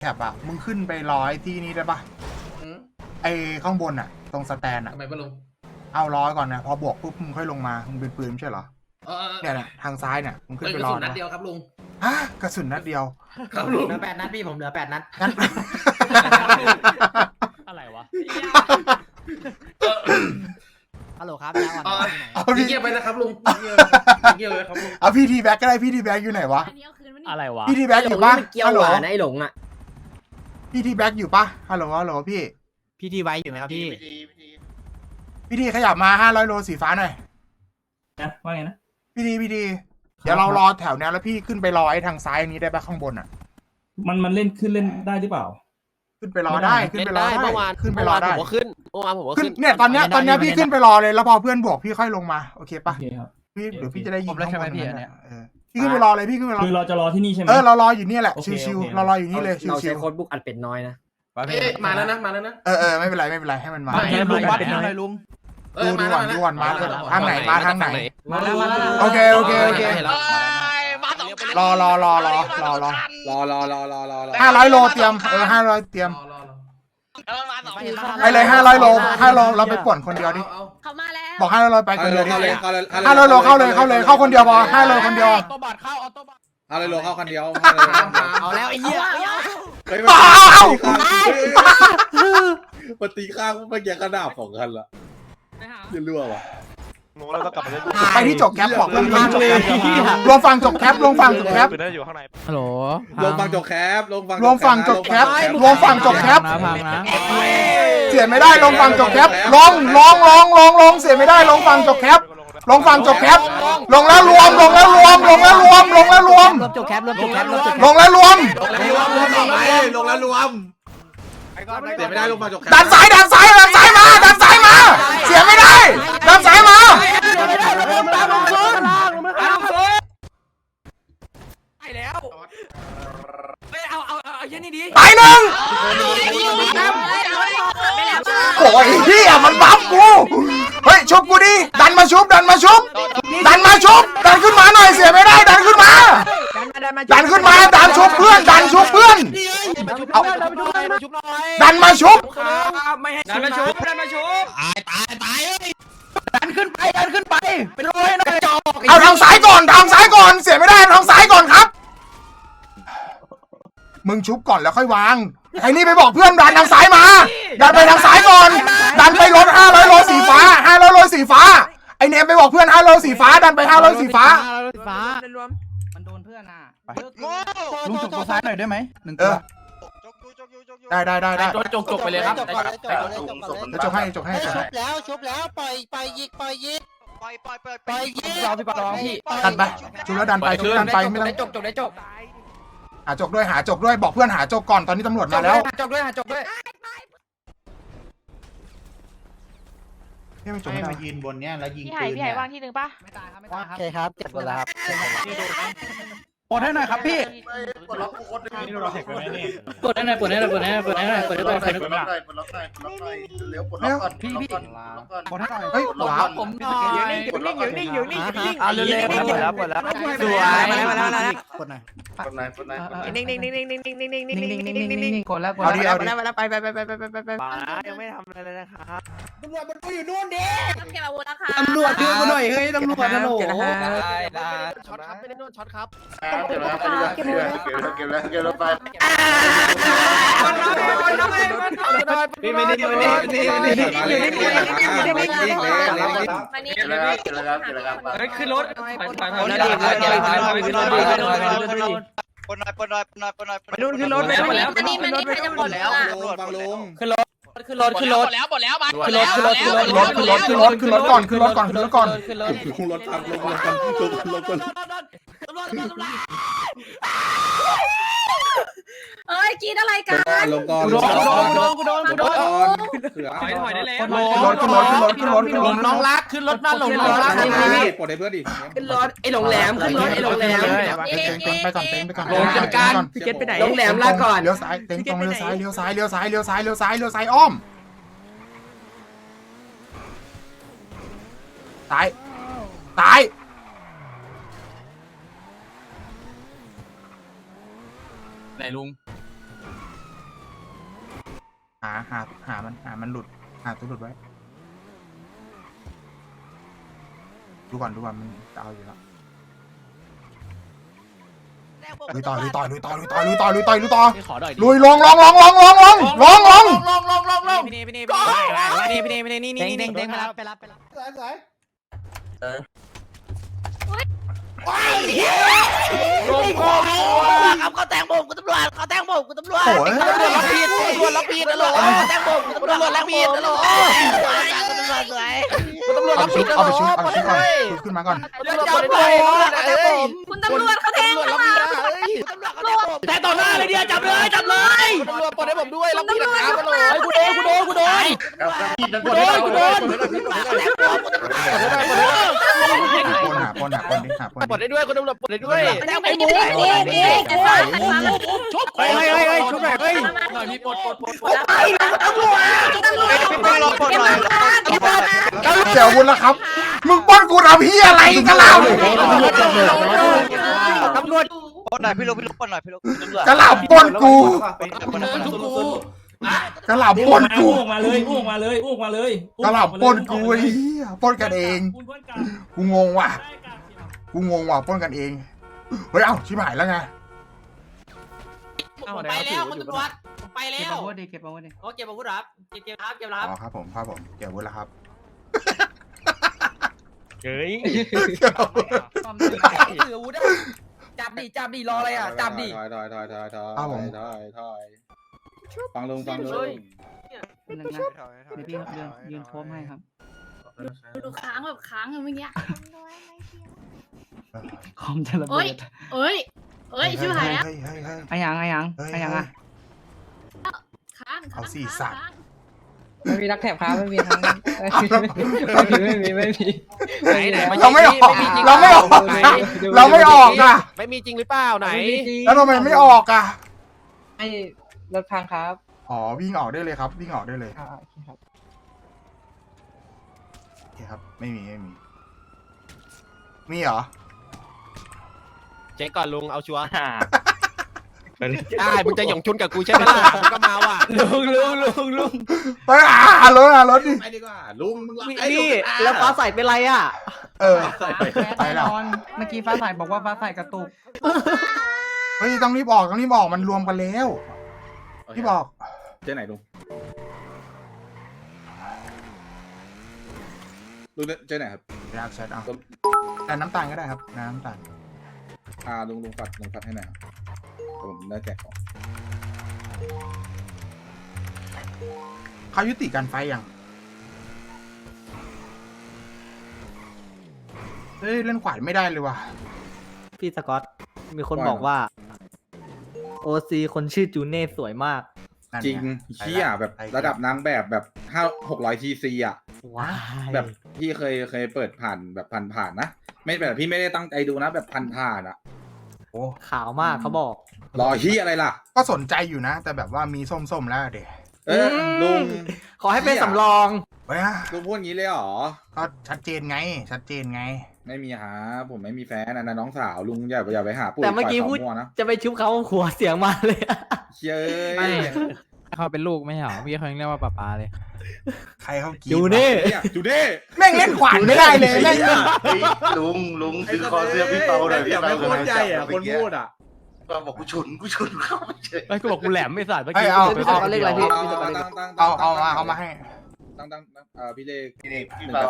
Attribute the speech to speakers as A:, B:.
A: แคปอะมึงขึ้นไปร้อยที่นี่ได้ปะไอข้างบนอะตรงสแตนอะ
B: ทำไมปะลุง
A: เอาร้อยก่อนนะพอบวกปุ๊บมึงค่อยลงมามึงเป็นปืนไม่ใช่เหรอเนี่ยทางซ้ายเนี่ยมึงขึ้นไปรอ
B: นัดเดียวครับลุง
A: ฮะกระสุนนัดเดียว
B: ครับลุง
C: เหลือ8 นัดพี่ผมเหลือ8 นัด
A: งั้น
D: อะไรวะ
C: ฮัลโหลครับแล้วก่อน
A: เอาพี่
B: เงียบไปนะครับลุงเงียบเลยครับลุง
A: เอาพี่ทีแบ็กก็ได้พี่ทีแบ็กอยู่ไหนวะ
E: อันนี้เอาคืนมันนี่
D: อะไรวะ
A: พี่ทีแบ็กอยู่ปะ
C: เกี่ยว
A: ฮัลโหล
C: หวานไอ้หลงอ่ะ
A: พี่ทีแบ็กอยู่ปะฮัลโหลฮัลโหลพี่
C: พี่ทีไว้อยู่ไหมครับพี่
A: พี่ทีขยับมา500 โลสีฟ้าหน่อย
F: นะว่าไงนะ
A: พี่ทีเดี๋ยวเรารอแถวนี้แล้วพี่ขึ้นไปรอไอ้ทางซ้ายนี้ได้ปะข้างบนอะ
F: มันเล่นขึ้นเล่นได้หรือเปล่า
A: ขึ้นไปรอได้ขึ้นไปรอได้
G: เมื่อวาน
A: ขึ้นไปรอได้
G: ผมก็ขึ้นเมื่อวานผมก็
A: ขึ้น
G: ขึ้น
A: เนี่ยตอนเนี้ยพี่ขึ้นไปรอเลยแล้วพอเพื่อนบวกพี่ค่อยลงมาโอเคปะ
F: โอเคครับ
A: พี่เดี๋ยวพี่จะได้ยิง
D: ผมแล้วใช่ไหม
A: ข้างบ
D: พี่อันเนี้ย
A: พี่ขึ้นไปรอเลยพี่ขึ้นไปรอ
F: คือเราจะรอที่นี่ใช่ไหม
A: เรารออยู่นี่แหละ
F: โอเค
A: ชิว
F: โอเค
A: ๆเรารออยู่นี่เลย
C: เรา
A: ชิ
C: ใช้
A: ว
C: โค้ดบุ๊กอัดเป็ดน้อยนะ
B: มาแล้วนะมาแล้วนะ
A: ๆไม่เป็นไรให้มันมา
D: ลุงวัดให้หน่อยลุง
A: ดูก่อนมาทางไหนมาทางไหน
C: มาแล้วมาแล้ว
A: โอเค รอ500 โลเตรียม500เตรียมไปเลย500 โลเราไปป่วนคนเดียวดิ
E: เขามาแล้ว
A: บอก500 โลไปคนเดียวดิ
H: 500
A: โลเข้าเลยเข้าคนเดียวพอ500 โลคนเดียว
D: ออโต้บัตเข้าออโต้บัต
H: 500 โลเข้าคันเดียว
C: เอาแล้วไอ้เหี้ย
H: มันตีข้างเมื่อกี้กระดาบของกันละจะรั่ววะ
A: ไปที่จบแคปบอกเรื่องจบแคปรวมฟังจบแคป
D: ฮัลโหล
H: ลงฟังจบแคปลงฟัง
A: รวมฟังจบแคปรวมฟังจบแคป
D: นะพังนะ
A: เสียไม่ได้ลงฟังจบแคปลงเสียไม่ได้ลงฟังจบแคปลงฟังจบแคปลงแล้วรวมลงแล้วรวม
C: รวมจบแคปรวมจบแคป
A: ลงแล้วรวม
H: ลงแล้วรวมเสียไม่ได้ลงฟังจบแคป
A: ดันซ้ายมาเสียไม่ได้ดันซ้ายมาตายหนึ่งโอ้ยเฮียมันบัฟกูเฮ้ยชุบกูดิดันมาชุบดันขึ้นมาหน่อยเสียไม่ได้ดันขึ้นมาดันชุบเพื่อนดันมาชุบ เอาทางซ้ายก่อนเสียไม่ได้ทางซ้ายก่อนครับมึงชุบก่อนแล้วค่อยวางไอ้นี่ไปบอกเพื่อนดันทางซ้ายมาดันไปทางซ้ายก่อนดันไปรถ500 โลสีฟ้าไอเนมไปบอกเพื่อน500 โลสีฟ้าดันไป500 สีฟ้า
C: มันโดนเพื่อนอ่ะ
D: ลุงจุกตัวซ้ายหน่อยได้ไหม1 ตัว
A: ได้
D: จกไปเลยครับ
A: จบให้
C: ชุบแล้วปล่อยยิกยิก
D: รอพี่ปะรองพี่
A: ดันไปชุบแล้วดันไปไม่ต้อง
C: ได้จก
A: หาจกด้วยบอกเพื่อนหาจกก่อนตอนนี้ตำรวจมาแล้ว
C: จกด้วย
A: ไม่จกมายืนบนเนี้ยแล้วยิง
E: พี่ไห่วางที่หนึ่งป่ะ
C: โอเคครับเจ็บหมดแล้วครับ
D: ปลดให้หน่อยครับพี่
C: ปลดให้หน่อย
A: พี่ปลดให้หน่อย
D: ปลดให้หน่อย
C: ผม
D: เอาเร็วๆหมดแล้วสวยมาแล้วกดหน่อยนิ่งกดแล้ว
A: เอาดิ
G: ยังไม่ทำอะไรเลยนะครับ
E: ต้องเก็บอาวุธนะคะ
D: ตำรวจดูกูหน่อยเฮ้ยตำรวจนะโหล
G: ช็อตครับไม่ได้นวดช็อตครับ
H: นี่ไม่ได้นี่
E: มานี่
B: ขึ้นรถ
G: นู่นขึ้นรถ
E: มานี่ใครจะหมดแล้ว
H: ฟังลุง
C: ขึ้นรถ
G: แล้วหมดแล้วมา
A: ขึ้นรถก่อน
H: ลงรถฟังลงก่อน
E: เอ้ยกินอะไรกัน
H: ลงก่อน
D: กูโดน
H: เสือ
B: ถอยได้แล้ว
D: น้องรักขึ้นรถมาหลงน้องรัก
H: ปลดให้เพื่อนดิ
C: ขึ้นรถไอ้โรงแรมขึ้นรถไอ้โรงแรม
A: ไปก่อน
C: พี่เกตไปไหนโรงแรมลาก่อน
A: เลี้ยวซ้ายเต็งตรงเลี้ยวซ้ายอ้อมตาย
D: ไหนลุง
A: หามันหลุดหาตัวหลุดไว้ดูก่อนมันจะเอาอยู่แล้วลุยต่อลุยลงพี่
D: เด้งมารับไปรับ
G: ครับเขาแตงโมกูตำรวจเขาแตงโมกูตำรวจ
A: โอ้ย
G: ตำรวจรับผิดตำรวจรับผิดตำรวจแตงโมกูตำรวจรับผิดตำรวจสวยตำรวจรับผิด
A: เอาไปชุดก่อนชุดขึ้นมาก่อน
G: จับเลยผม
E: คุณตำรวจเขาแทงข้างหลัง
G: ตำรวจเขาแตงผมแต่ต่อหน้าเลยเนี่ยจับเลยตำรวจปลดให้ผมด้วยรับผิดนะครับตำรวจกูโดนกูโดนกูโดน
A: ปนหาปนดิ
G: ปลดได้ด้วยคุณตำรวจปลดได้ด้วยแตงโม
E: นี่จะสร้างขันมา
G: ชุบเฮ้ยชุบแบบเฮ้ยหน่อยมีปลดไปตำรวจ
A: เดี๋ยววุ้นแล้วครับมึงป้นกูทำเฮียอะไรกันล่ะ
G: ตำรวจ
D: ปนหน่อยพี่ลูกปนหน่อยพี่ลูก
A: กระหล่ำป้นกู กระหล่ำป้นกู
F: อ้วกมาเลยอ้วกมาเลย
A: กระหล่ำป้นกูไอ้เหี้ยป้นกันเอง กูงงว่ะป้นกันเองเฮ้ยเอ้าชิบหายแล้วไง
G: ไปแล้วคุณตำรวจไปแล้ว
C: เก็บอาวุธดิ
G: โอเก็บอาวุธรับเก็บรับเก็บรับ
A: อ๋อครับผมเกี่ยววุ้นแล้วครับ
D: เฮ้ย
G: ถืออาวุธจับดิรออะไรอ่ะจับดิ
H: ถอยฟังลุง
C: นึงนะเดี๋ยวพี่ยืนโค้งให้ครับ
E: ดูค้างแบบค้างเมื่อกี้
C: คอมจะระ
E: เอ้
C: เบิ
E: ย
C: ด
E: เอ้ยชิบหายแล้ว
A: เฮ้ย
C: ไอ้ยังอ่ะ
E: ค้าง
A: เอาสี่สัตว์
C: ไม่มีรักแถบครับไม่มีทั้งไม่มี
G: ไหน
A: เราไม่ออกอ่ะ
G: ไม่มีจริงหรือเปล่าไหน
A: แล้วทำไมไม่ออกอ่ะ
C: ให้รถพังครับ
A: อ๋อวิ่งออกได้เลยครับวิ่งออกได้เลยโอเคครับไม่มีเหรอ
G: เช็คก่อนลุงเอาชัวร์ได้มึงจะหย่องชุนกับกูใช่ไหมล่ะมึงก็มาว่ะ
C: ลุง
A: ไปหารถดิ
H: ไปดีกว่าลุงมึง
C: นี่แล้วฟ้าใสเป็นไรอ่ะ
A: ไปแล้ว
C: เมื่อกี้ฟ้าใสบอกว่าฟ้าใสกระตุก
A: เฮ้ยต้องรีบออกมันรวมกันแล้วที่บอก
H: เจ๊ไหนลุงเจ๊ไหนครับ
A: อยากแชทเอาแต่น้ำตาลก็ได้ครับน้ำตาล
H: ลุงปัดให้หน่อยผมได้แจกของ
A: เขายุติการไฟยังเฮ้ยเล่นขวานไม่ได้เลยว่ะ
I: พี่สกอตมีคนบอกว่าโอซีคนชื่อจูเน่สวยมาก
H: จริงเชี่ยแบบระดับนางแบบ600 TC อ่ะ
I: ว้า
H: แบบพี่เคยเปิดผ่านแบบผ่านนะไม่แบบพี่ไม่ได้ตั้งใจดูนะแบบผ่านอ่ะ
A: โอ้
I: ขาวมากเขาบอก
H: รอที่อะไรล่ะ
A: ก็สนใจอยู่นะ แต่แบบว่ามีส้มๆแล้วเด็ก
H: ลุง
I: ขอให้เป็นสำรอง
A: เฮ้ย
H: ลุงพูดงี้เลยเหรอ
A: ก็ชัดเจนไง
H: ไม่มีหาผมไม่มีแฟนนะน้องสาวลุงอย่าไปหาปุ๋ย
I: แต่เมื่อกี้พูด
H: มั่วนะ
I: จะไปชุบเขาหัวเสียงมาเลย
H: เย้ย
I: เขาเป็นลูกไม่เหรอพี่เขายังเรียกว่าป๊าเลย
A: ใครเขากิน
I: จูเน่
H: จูเน่
A: แม่งเล่นขวานไม่ได้เลยแม่ง
B: ลุงคือคอเสื้อพี่เปาหน่อยพี่เปา
H: ไม่พูดใจอ่ะคนพูดอ่ะ
B: บอกกูฉุนเข้ามาเฉย
I: ไอ้กูบอกกูแหลมไม่สาดเมื่อ
A: เฮ้ย
I: กี้
A: เอามาให้
H: ตั้งพี่เลข
A: เอามา
H: ตั้งพี่เลข
B: พี่เปา